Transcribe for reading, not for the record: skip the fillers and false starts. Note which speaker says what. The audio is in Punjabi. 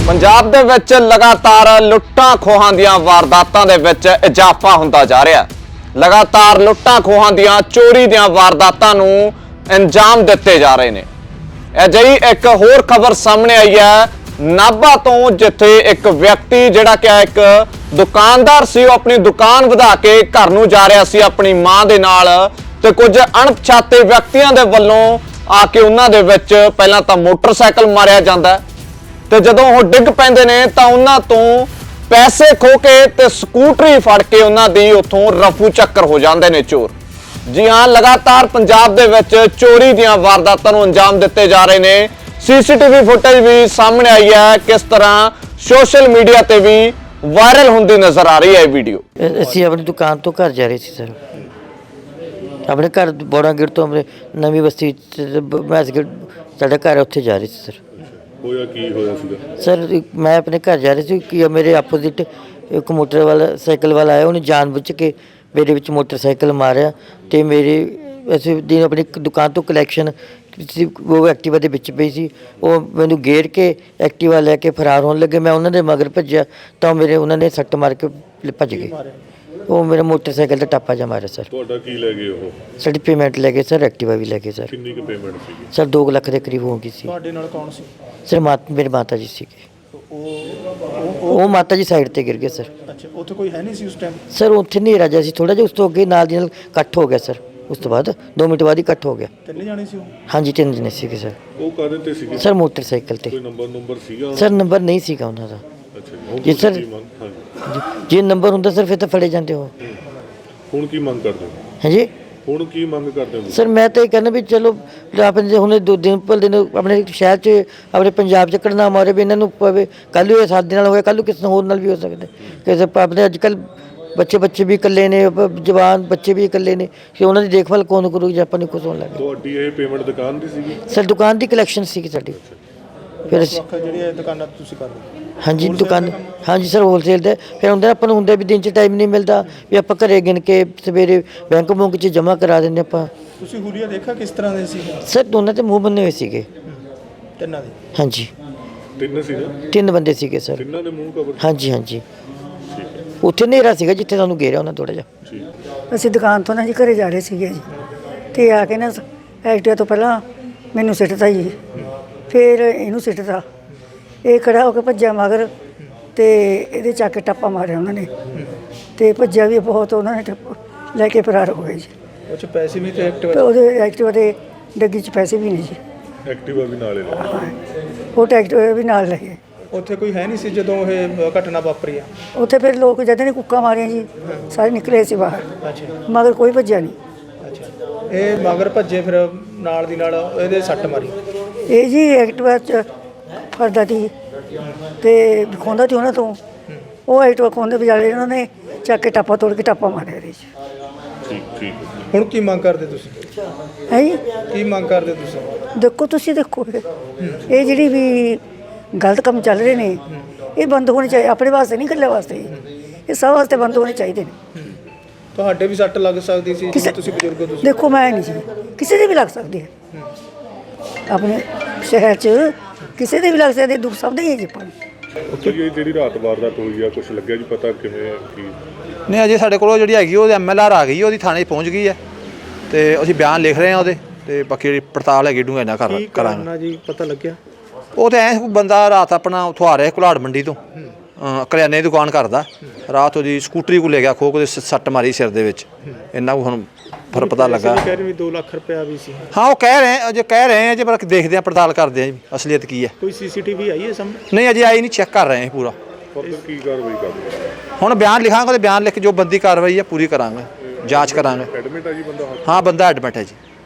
Speaker 1: ਪੰਜਾਬ ਦੇ ਵਿੱਚ ਲਗਾਤਾਰ ਲੁੱਟਾਂ ਖੋਹਾਂ ਦੀਆਂ ਵਾਰਦਾਤਾਂ ਦੇ ਵਿੱਚ ਇਜ਼ਾਫਾ ਹੁੰਦਾ ਜਾ ਰਿਹਾ ਹੈ। ਲਗਾਤਾਰ ਲੁੱਟਾਂ ਖੋਹਾਂ ਦੀਆਂ ਚੋਰੀ ਦੀਆਂ ਵਾਰਦਾਤਾਂ ਨੂੰ ਅੰਜਾਮ ਦਿੱਤੇ ਜਾ ਰਹੇ ਨੇ। ਅਜਿਹੀ ਇੱਕ ਹੋਰ ਖਬਰ ਸਾਹਮਣੇ ਆਈ ਹੈ ਨਾਭਾ ਤੋਂ, ਜਿੱਥੇ ਇੱਕ ਵਿਅਕਤੀ ਜਿਹੜਾ ਕਿ ਇੱਕ ਦੁਕਾਨਦਾਰ ਸੀ, ਉਹ ਆਪਣੀ ਦੁਕਾਨ ਵਧਾ ਕੇ ਘਰ ਨੂੰ ਜਾ ਰਿਹਾ ਸੀ ਆਪਣੀ ਮਾਂ ਦੇ ਨਾਲ, ਤੇ ਕੁਝ ਅਣਪਛਾਤੇ ਵਿਅਕਤੀਆਂ ਦੇ ਵੱਲੋਂ ਆ ਕੇ ਉਹਨਾਂ ਦੇ ਵਿੱਚ ਪਹਿਲਾਂ ਤਾਂ ਮੋਟਰਸਾਈਕਲ ਮਾਰਿਆ ਜਾਂਦਾ ਹੈ, ਤੇ ਜਦੋਂ ਉਹ ਡਿੱਗ ਪੈਂਦੇ ਨੇ ਤਾਂ ਉਹਨਾਂ ਤੋਂ ਪੈਸੇ ਖੋ ਕੇ ਤੇ ਸਕੂਟਰੀ ਫੜ ਕੇ ਉਹਨਾਂ ਦੀ ਉੱਥੋਂ ਰਫੂ ਚੱਕਰ ਹੋ ਜਾਂਦੇ ਨੇ ਚੋਰ। ਜੀ ਹਾਂ, ਲਗਾਤਾਰ ਪੰਜਾਬ ਦੇ ਵਿੱਚ ਚੋਰੀ ਦੀਆਂ ਵਾਰਦਾਤਾਂ ਨੂੰ ਅੰਜਾਮ ਦਿੱਤੇ ਜਾ ਰਹੇ ਨੇ। ਸੀਸੀਟੀਵੀ ਫੁਟੇਜ ਵੀ ਸਾਹਮਣੇ ਆਈ ਹੈ, ਕਿਸ ਤਰ੍ਹਾਂ ਸੋਸ਼ਲ ਮੀਡੀਆ ਤੇ ਵੀ ਵਾਇਰਲ ਹੁੰਦੀ ਨਜ਼ਰ ਆ ਰਹੀ ਹੈ ਇਹ ਵੀਡੀਓ।
Speaker 2: ਅਸੀਂ ਆਪਣੀ ਦੁਕਾਨ ਤੋਂ ਘਰ ਜਾ ਰਹੇ ਸੀ ਸਰ, ਆਪਣੇ ਘਰ ਬੋੜਾਗੇਟ ਤੋਂ ਆਪਣੇ ਨਵੀਂ ਬਸਤੀ ਮੈਸਗੇਟ ਸਾਡਾ ਘਰ ਉੱਥੇ ਜਾ ਰਹੇ ਸੀ ਸਰ।
Speaker 3: ਹੋਇਆ ਕੀ ਹੋਇਆ ਸੀਗਾ
Speaker 2: ਸਰ? ਮੈਂ ਆਪਣੇ ਘਰ ਜਾ ਰਹੀ ਸੀ ਕਿ ਮੇਰੇ ਆਪੋਜ਼ਿਟ ਇੱਕ ਮੋਟਰ ਵਾਲਾ ਸਾਈਕਲ ਵਾਲਾ ਆਇਆ, ਉਹਨੇ ਜਾਣਬੁੱਝ ਕੇ ਮੇਰੇ ਵਿੱਚ ਮੋਟਰਸਾਈਕਲ ਮਾਰਿਆ ਤੇ ਮੇਰੇ ਅਸੀਂ ਦਿਨ ਆਪਣੀ ਦੁਕਾਨ ਤੋਂ ਕਲੈਕਸ਼ਨ ਉਹ ਐਕਟਿਵਾ ਦੇ ਵਿੱਚ ਪਈ ਸੀ, ਉਹ ਮੈਨੂੰ ਗੇਰ ਕੇ ਐਕਟਿਵਾ ਲੈ ਕੇ ਫਰਾਰ ਹੋਣ ਲੱਗੇ। ਮੈਂ ਉਹਨਾਂ ਦੇ ਮਗਰ ਭੱਜਿਆ ਤਾਂ ਉਹਨਾਂ ਨੇ ਸੱਟ ਮਾਰ ਕੇ ਭੱਜ ਗਏ। ਉਹ ਮੇਰਾ ਮੋਟਰਸਾਈਕਲ ਦਾ ਟਾਪਾ ਜਾ ਮਾਰਿਆ ਸਰ।
Speaker 3: ਤੁਹਾਡਾ ਕੀ ਲੈ ਗਏ ਉਹ?
Speaker 2: ਸਾਡੀ ਪੇਮੈਂਟ ਲੈ ਗਏ ਸਰ, ਐਕਟਿਵਾ ਵੀ ਲੈ ਗਏ ਸਰ।
Speaker 3: ਕਿੰਨੀ ਕੁ ਪੇਮੈਂਟ ਸੀਗੀ
Speaker 2: ਸਰ 2 ਲੱਖ ਦੇ ਕਰੀਬ ਹੋ ਗਈ ਸੀ।
Speaker 4: ਤੁਹਾਡੇ ਨਾਲ ਕੌਣ ਸੀ?
Speaker 2: ਸਰ ਮੇਰੇ ਮਾਤਾ ਜੀ ਸੀਗੇ। ਉਹ ਮਾਤਾ ਜੀ ਸਾਈਡ ਤੇ ਗਿਰ ਗਏ ਸਰ।
Speaker 4: ਅੱਛਾ, ਉੱਥੇ ਕੋਈ ਹੈ ਨਹੀਂ ਸੀ ਉਸ ਟਾਈਮ?
Speaker 2: ਸਰ ਉੱਥੇ ਨਹੀਂ ਰਾਜਾ ਸੀ, ਥੋੜਾ ਜਿਹਾ ਉਸ ਤੋਂ ਅੱਗੇ ਨਾਲ ਦੀ ਨਾਲ ਇਕੱਠ ਹੋ ਗਿਆ ਸਰ। ਉਸ ਤੋਂ ਬਾਅਦ 2 ਮਿੰਟ ਬਾਅਦ ਹੀ ਇਕੱਠ ਹੋ ਗਿਆ।
Speaker 4: ਤਿੰਨੇ ਜਾਣੇ ਸੀ ਉਹ?
Speaker 2: ਹਾਂਜੀ 3 ਜਣੇ ਸੀਗੇ ਸਰ।
Speaker 3: ਉਹ ਕਾਹਦੇ ਤੇ ਸੀਗੇ
Speaker 2: ਸਰ ਮੋਟਰਸਾਈਕਲ ਤੇ।
Speaker 3: ਕੋਈ ਨੰਬਰ ਸੀਗਾ
Speaker 2: ਸਰ ਨੰਬਰ ਨਹੀਂ ਸੀਗਾ ਉਹਨਾਂ ਦਾ।
Speaker 3: ਅੱਛਾ
Speaker 2: ਜੀ ਸਰ,
Speaker 3: ਹਾਂਜੀ।
Speaker 2: ਜੇ ਨੰਬਰ ਹੁੰਦਾ ਸਰ ਫਿਰ ਤਾਂ ਫੜੇ ਜਾਂਦੇ ਹੋ।
Speaker 3: ਹੁਣ ਕੀ ਮੰਗ ਕਰਦੇ ਹੋ?
Speaker 2: ਹਾਂਜੀ
Speaker 3: ਹੁਣ ਕੀ ਮੰਗ ਕਰਦੇ ਹੋ
Speaker 2: ਸਰ? ਮੈਂ ਤਾਂ ਇਹ ਕਹਿੰਦਾ ਵੀ ਚਲੋ ਆਪਣੇ ਹੁਣ 2 ਦਿਨ ਪਰ ਦਿਨ ਆਪਣੇ ਸ਼ਹਿਰ 'ਚ ਆਪਣੇ ਪੰਜਾਬ 'ਚ ਘਟਨਾ ਮਾਰੇ ਵੀ ਇਹਨਾਂ ਨੂੰ ਪਵੇ। ਕੱਲ੍ਹ ਨੂੰ ਇਹ ਸਾਡੇ ਨਾਲ ਹੋਇਆ, ਕੱਲ੍ਹ ਨੂੰ ਕਿਸੇ ਹੋਰ ਨਾਲ ਵੀ ਹੋ ਸਕਦਾ। ਕਿਸੇ ਆਪਣੇ ਅੱਜ ਕੱਲ੍ਹ ਬੱਚੇ ਵੀ ਇਕੱਲੇ ਨੇ, ਜਵਾਨ ਬੱਚੇ ਵੀ ਇਕੱਲੇ ਨੇ, ਕਿ ਉਹਨਾਂ ਦੀ ਦੇਖਭਾਲ ਕੌਣ ਕਰੂ ਜੇ ਆਪਾਂ ਨੂੰ ਕੁਝ ਹੋਣ ਲੱਗੇ।
Speaker 3: ਤੁਹਾਡੀ ਇਹ ਪੇਮੈਂਟ ਦੁਕਾਨ ਦੀ ਸੀਗੀ?
Speaker 2: ਸਰ ਦੁਕਾਨ ਦੀ ਕਲੈਕਸ਼ਨ ਸੀਗੀ ਸਾਡੀ। ਫਿਰ ਅਸੀਂ
Speaker 4: ਜਿਹੜੀਆਂ ਦੁਕਾਨਾਂ ਤੁਸੀਂ ਕਰਦੇ?
Speaker 2: ਹਾਂਜੀ ਦੁਕਾਨ, ਹਾਂਜੀ ਸਰ ਹੋਲਸੇਲ ਦੇ। ਫਿਰ ਹੁੰਦਾ ਆਪਾਂ ਨੂੰ ਹੁੰਦਾ ਵੀ ਦਿਨ 'ਚ ਟਾਈਮ ਨਹੀਂ ਮਿਲਦਾ ਵੀ ਆਪਾਂ ਘਰੇ ਗਿਣ ਕੇ ਸਵੇਰੇ ਬੈਂਕ ਬੁੰਕ 'ਚ ਜਮ੍ਹਾਂ ਕਰਾ ਦਿੰਦੇ ਆਪਾਂ।
Speaker 4: ਤੁਸੀਂ ਹੁਲੀਆ ਦੇਖਿਆ ਕਿਸ ਤਰ੍ਹਾਂ ਦੇ ਸੀ?
Speaker 2: ਸਰ ਦੋਨਾਂ ਤੇ ਮੂੰਹ ਬੰਨੇ ਹੋਏ ਸੀਗੇ।
Speaker 4: ਤਿੰਨਾਂ ਦੇ?
Speaker 2: ਹਾਂਜੀ
Speaker 3: 3 ਸੀ ਨਾ?
Speaker 2: 3 ਬੰਦੇ ਸੀਗੇ ਸਰ।
Speaker 3: ਤਿੰਨਾਂ ਦੇ ਮੂੰਹ ਕਵਰ?
Speaker 2: ਹਾਂਜੀ ਹਾਂਜੀ। ਉੱਥੇ ਹਨੇਰਾ ਸੀਗਾ ਜਿੱਥੇ ਸਾਨੂੰ ਘੇਰਿਆ ਉਹਨਾਂ ਥੋੜ੍ਹਾ ਜਿਹਾ।
Speaker 5: ਅਸੀਂ ਦੁਕਾਨ ਤੋਂ ਨਾ ਜੀ ਘਰੇ ਜਾ ਰਹੇ ਸੀਗੇ ਜੀ, ਤੇ ਆ ਕੇ ਨਾ ਐਕਟਿਵਾ ਤੋਂ ਪਹਿਲਾਂ ਮੈਨੂੰ ਸਿੱਟਤਾ ਜੀ, ਫਿਰ ਇਹਨੂੰ ਸਿੱਟਤਾ। ਇਹ ਖੜਾ ਹੋ ਕੇ ਭੱਜਿਆ ਮਗਰ, ਤੇ ਇਹਦੇ ਚੱਕ ਕੇ ਟੱਪਾ ਮਾਰਿਆ ਉਹਨਾਂ ਨੇ, ਤੇ ਭੱਜਿਆ ਵੀ ਬਹੁਤ। ਉਹਨਾਂ ਨੇ ਲੈ ਕੇ ਫਰਾਰ ਹੋ ਗਏ ਜੀ।
Speaker 4: ਉਹ 'ਚ ਪੈਸੇ ਵੀ ਤੇ
Speaker 5: ਤੇ
Speaker 4: ਐਕਟਿਵਾ?
Speaker 5: ਉਹਦੇ ਐਕਟਿਵਾ ਦੇ ਡੱਗੀ 'ਚ ਪੈਸੇ ਵੀ ਨਹੀਂ ਜੀ।
Speaker 3: ਐਕਟਿਵਾ ਵੀ ਨਾਲੇ ਲੈ?
Speaker 5: ਉਹ ਐਕਟਿਵਾ ਵੀ ਨਾਲ ਲੈ ਗਏ।
Speaker 4: ਉੱਥੇ ਕੋਈ ਹੈ ਨਹੀਂ ਸੀ ਜਦੋਂ ਇਹ ਘਟਨਾ ਵਾਪਰੀ ਆ?
Speaker 5: ਉੱਥੇ ਫਿਰ ਲੋਕ ਜਦ ਨੇ ਕੁੱਕਾਂ ਮਾਰੀਆਂ ਜੀ, ਸਾਰੇ ਨਿਕਲੇ ਸੀ ਬਾਹਰ,
Speaker 4: ਅੱਛਾ
Speaker 5: ਮਗਰ ਕੋਈ ਭੱਜਿਆ ਨਹੀਂ।
Speaker 4: ਅੱਛਾ, ਇਹ ਮਗਰ ਭੱਜੇ, ਫਿਰ ਨਾਲ ਦੀ ਨਾਲ ਇਹਦੇ ਸੱਟ ਮਾਰੀ?
Speaker 5: ਇਹ ਜੀ ਐਕਟਿਵਾ 'ਚ ਫੜਦਾ ਸੀ ਤੇ ਖੋਂਦਾ ਸੀ ਉਹਨਾਂ ਤੋਂ। ਉਹ ਐਕਟਿਵਾ ਖੋਂਦੇ ਵਿਚਾਲੇ ਉਹਨਾਂ ਨੇ ਚੱਕ ਕੇ ਟਾਪਾ ਤੋੜ ਕੇ ਟਾਪਾ ਮਾਰਿਆ ਇਹਦੇ 'ਚ।
Speaker 3: ਠੀਕ
Speaker 4: ਹੁਣ ਕੀ ਮੰਗ ਕਰਦੇ ਤੁਸੀਂ?
Speaker 5: ਹੈ ਜੀ,
Speaker 4: ਕੀ ਮੰਗ ਕਰਦੇ ਤੁਸੀਂ?
Speaker 5: ਦੇਖੋ ਤੁਸੀਂ ਦੇਖੋ ਇਹ ਜਿਹੜੀ ਵੀ ਗਲਤ ਕੰਮ ਚੱਲ ਰਹੇ ਨੇ, ਇਹ ਬੰਦ ਹੋਣੇ ਚਾਹੀਦੇ। ਆਪਣੇ ਵਾਸਤੇ ਨਹੀਂ, ਇਕੱਲੇ ਵਾਸਤੇ, ਇਹ ਸਭ ਵਾਸਤੇ ਬੰਦ ਹੋਣੇ ਚਾਹੀਦੇ ਨੇ।
Speaker 4: ਤੁਹਾਡੇ ਵੀ ਸੱਟ ਲੱਗ ਸਕਦੀ ਸੀ,
Speaker 5: ਕਿਸੇ
Speaker 4: ਤੁਸੀਂ ਬਜ਼ੁਰਗ ਹੋ ਤੁਸੀਂ?
Speaker 5: ਦੇਖੋ ਮੈਂ ਨਹੀਂ ਜੀ, ਕਿਸੇ ਦੇ ਵੀ ਲੱਗ ਸਕਦੀ ਹੈ। ਆਪਣੇ ਸ਼ਹਿਰ 'ਚ ਕਿਸੇ ਦੇ ਵੀ ਲੱਗ ਸਕਦੇ, ਦੁੱਖ ਸਭ ਦੇ ਹੀ ਹੈ ਜੀ ਆਪਾਂ ਨੂੰ।
Speaker 3: ਉੱਥੇ ਇਹ ਜਿਹੜੀ ਰਾਤ ਵਾਰਦਾਤ ਹੋਈ ਆ, ਕੁਝ ਲੱਗਿਆ ਜੀ ਪਤਾ ਕਿਵੇਂ ਕੀ?
Speaker 6: ਨਹੀਂ, ਅਜੇ ਸਾਡੇ ਕੋਲ ਜਿਹੜੀ ਹੈਗੀ ਉਹਦੇ MLR ਆ ਗਈ, ਉਹਦੀ ਥਾਣੇ 'ਚ ਪਹੁੰਚ ਗਈ ਹੈ, ਤੇ ਅਸੀਂ ਬਿਆਨ ਲਿਖ ਰਹੇ ਹਾਂ ਉਹਦੇ, ਤੇ ਬਾਕੀ ਜਿਹੜੀ ਪੜਤਾਲ ਹੈਗੀ ਡੂੰਘਾਈ ਨਾਲ ਕਰਾਂਗੇ
Speaker 4: ਜੀ। ਪਤਾ ਲੱਗਿਆ
Speaker 6: ਉਹ ਤਾਂ ਐਂ ਬੰਦਾ ਰਾਤ ਆਪਣਾ ਉੱਥੋਂ ਆ ਰਿਹਾ ਘੁਲਾੜ ਮੰਡੀ ਤੋਂ, ਕਰਿਆਨੇ ਦੀ ਦੁਕਾਨ ਕਰਦਾ। ਰਾਤ ਉਹਦੀ ਸਕੂਟਰੀ ਕੋਲ ਲੈ ਗਿਆ, ਖੋ ਕੇ ਸੱਟ ਮਾਰੀ ਸਿਰ ਦੇ ਵਿੱਚ। ਇੰਨਾ ਕੁ ਹੁਣ ਫਿਰ ਪਤਾ ਲੱਗਾ।
Speaker 4: ਕਹਿ ਰਹੇ ਵੀ 2 ਲੱਖ ਰੁਪਇਆ ਵੀ ਸੀ?
Speaker 6: ਹਾਂ ਉਹ ਕਹਿ ਰਹੇ ਆ ਜੇ, ਪਰ ਦੇਖਦੇ ਹਾਂ, ਪੜਤਾਲ ਕਰਦੇ ਹਾਂ ਜੀ ਅਸਲੀਅਤ ਕੀ ਹੈ।
Speaker 4: ਕੋਈ CCTV ਆਈ ਹੈ ਸਾਹਮਣੇ?
Speaker 6: ਨਹੀਂ ਅਜੇ ਆਈ ਨਹੀਂ, ਚੈੱਕ ਕਰ ਰਹੇ ਹਾਂ ਪੂਰਾ।
Speaker 3: ਕੀ ਕਾਰਵਾਈ ਕਰਦੇ?
Speaker 6: ਹੁਣ ਬਿਆਨ ਲਿਖਾਂਗੇ, ਤੇ ਬਿਆਨ ਲਿਖ ਕੇ ਜੋ ਬੰਦੀ ਕਾਰਵਾਈ ਹੈ ਪੂਰੀ ਕਰਾਂਗੇ, ਜਾਂਚ ਕਰਾਂਗੇ।
Speaker 3: ਐਡਮਿਟ ਆ ਜੀ ਬੰਦਾ?
Speaker 6: ਹਾਂ ਬੰਦਾ ਐਡਮਿਟ ਹੈ ਜੀ।